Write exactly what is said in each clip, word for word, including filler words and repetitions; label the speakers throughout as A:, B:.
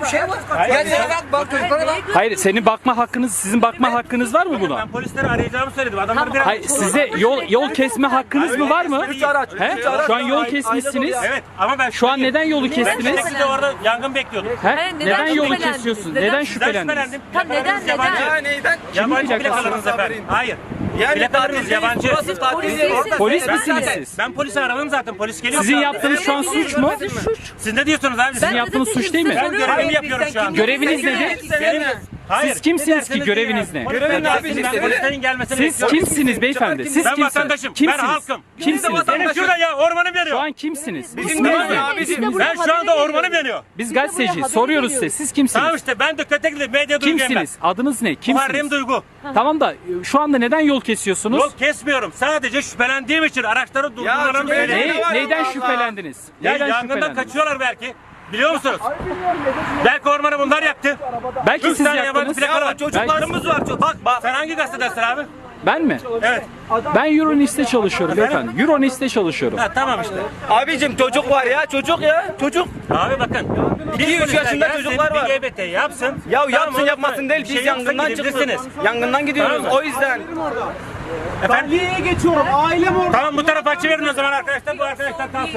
A: bir şey var. Gel sana bak bak çocuklara bak.
B: Hayır, senin bakma hakkınız, sizin bakma hakkınız var mı buna?
C: Ben polisleri arayacağımı söyledim. Adamlar biraz...
B: Hayır, size yol yol kesme hakkınız mı var mı?
A: Üç araç.
B: He?
A: Üç araç.
B: Şu an yol
A: Aile
B: kesmişsiniz.
A: dolu ya.
C: Evet ama ben...
B: Şu an neden yolu
C: Ben
B: kestiniz?
C: şekilde orada yangın bekliyordum.
B: He?
D: Hayır, neden
B: Neden yolu
D: şüphelendiniz?
B: kesiyorsunuz?
D: Neden
B: Neden
C: Sizden
B: şüphelendiniz?
C: şüphelendim.
D: Tam neden,
C: Plakalarınız
D: neden?
C: yabancı.
A: Ya neyden?
C: Yabancı
B: plakası?
C: plakalarınız efendim. Hayır.
A: Yani
C: Plakalarınız
A: tatil
C: yabancı.
A: değil, burası tatil
D: Polis
A: değil.
D: değilsiniz.
B: Polis
C: Ben-
B: misiniz siz?
C: Ben polisi aradım zaten. Polis geliyor.
B: Sizin yaptığınız şu an suç mu?
C: Siz ne diyorsunuz abi?
B: Sizin
C: Ben,
B: yaptığınız suç değil mi?
C: ben görevimi yapıyorum şu an.
B: Göreviniz nedir?
C: Benim- Hayır.
B: Siz kimsiniz ki,
C: Ne
B: göreviniz ne?
A: Görevin ne abi?
C: Ben
A: Siz-
C: polislerin gelmesini
B: Siz
C: bekliyorum.
B: kimsiniz beyefendi? Siz
C: Ben
B: kimsiniz?
C: vatandaşım. Ben
B: Kimsiniz?
C: halkım.
B: Kimsiniz?
C: Benim şurada ya ormanım
B: Şu
C: yanıyor.
B: an kimsiniz?
A: Bizim
B: İsminiz
A: de
B: ne?
A: abicim.
C: Ben şu anda ormanım yanıyor.
B: Biz
D: Biz de buraya
B: gazeteci
D: haberi
B: soruyoruz size.
D: veriyoruz.
B: Siz kimsiniz?
C: Tamam işte ben de Kötekli medya duyguyum ben.
B: Kimsiniz? Adınız ne?
C: Muharrem
B: Kimsiniz?
C: Duygu.
B: Tamam da şu anda neden yol kesiyorsunuz?
C: Yol kesmiyorum. Sadece şüphelendiğim için araçları durdurmalarını
A: şüpheli
C: söyleyeyim.
A: ne?
B: Ne, neyden
A: Allah.
B: şüphelendiniz?
C: Ya
B: Neyden
C: yangından
B: şüphelendiniz?
C: kaçıyorlar belki. Biliyor musunuz? Belki ormanı bunlar yaktı.
B: Belki
C: Üç
B: siz
C: tane yabancı
B: yaktınız.
C: plakalı
A: Ya
C: var.
A: çocuklarımız var. Bak bak.
C: Sen hangi gazetedesin abi?
B: Ben mi?
C: Evet.
B: Ben Euronist'te çalışıyorum beyefendi. Euronist'te çalışıyorum.
C: Ha tamam işte.
A: Abicim çocuk var ya çocuk ya çocuk.
C: Abi bakın.
A: İki, üç
C: polisler
A: yaşında
C: gelsin,
A: çocuklar var.
C: Bir G B T yapsın.
A: Ya
C: Tamam,
A: yapsın
C: unutma.
A: yapmasın değil
C: Bir
A: biz
C: şey yoksa
A: yangından çıktık.
C: gidebilirsiniz.
A: Yangından gidiyoruz
C: Tamam mı?
A: o yüzden.
C: Efendim?
E: geçiyorum. Ailem orada.
C: Tamam bu tarafa açıverin o zaman arkadaşlar. Bu arkadaşlar kalsın.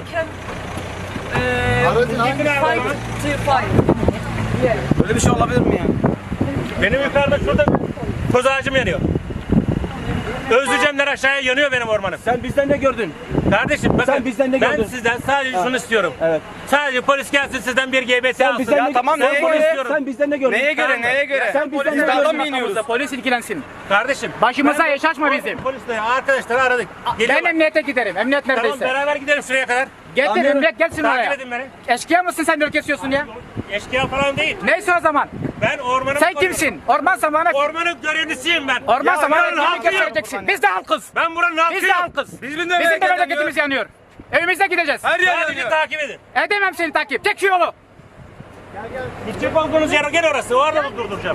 A: Böyle bir şey olabilir mi ya?
C: Benim yukarıda şurada koz ağacım yanıyor. Özleyeceğimler aşağıya yanıyor benim ormanım.
E: Sen bizden ne gördün?
C: Kardeşim bakın
E: Sen bizden ne
C: ben
E: gördün?
C: sizden sadece şunu istiyorum.
E: Evet.
C: Sadece polis gelsin sizden bir G B T alsın.
E: bizden
A: Ya
E: ne-
A: tamam
E: sen
A: neye
E: polis-
A: göre?
C: istiyorum.
E: Sen bizden ne gördün?
A: Neye göre neye göre?
E: Sen bizden
A: Biz
E: ne
A: dağdan
E: gördün?
A: mı iniyoruz?
F: Polis ilgilensin.
C: Kardeşim.
F: Başımıza
C: ben-
F: yaş açma bizim.
C: Polisle arkadaşları aradık.
F: Ben
C: Geliyorlar.
F: emniyete giderim. Emniyet
C: Tamam
F: neredeyse.
C: beraber gidelim şuraya kadar.
F: Getir
E: Anlıyorum.
F: emniyet gelsin
C: Takip
F: oraya.
C: edin beni.
F: Eşkıya mısın sen yol kesiyorsun ya?
C: Eşkıya falan değil.
F: Neyse o zaman.
C: Ben ormanı
F: Sen kimsin? Orman zamanı.
C: Ormanın görevlisiyim ben.
F: Orman
C: Ya
F: zamanı
C: ben
F: kimi
C: halkıyım.
F: göstereceksin? Biz de halkız.
C: Ben buranın
F: Biz de
C: halkıyım.
F: halkız.
A: Biz
F: Bizim de memleketimiz yanıyor. Evimize gideceğiz.
A: Her yer
C: Sadece
A: yanıyor.
C: takip edin.
F: Edemem seni takip. Tek şu yolu.
C: Gidecek olduğunuz yer gel orası. Orada durduracağım.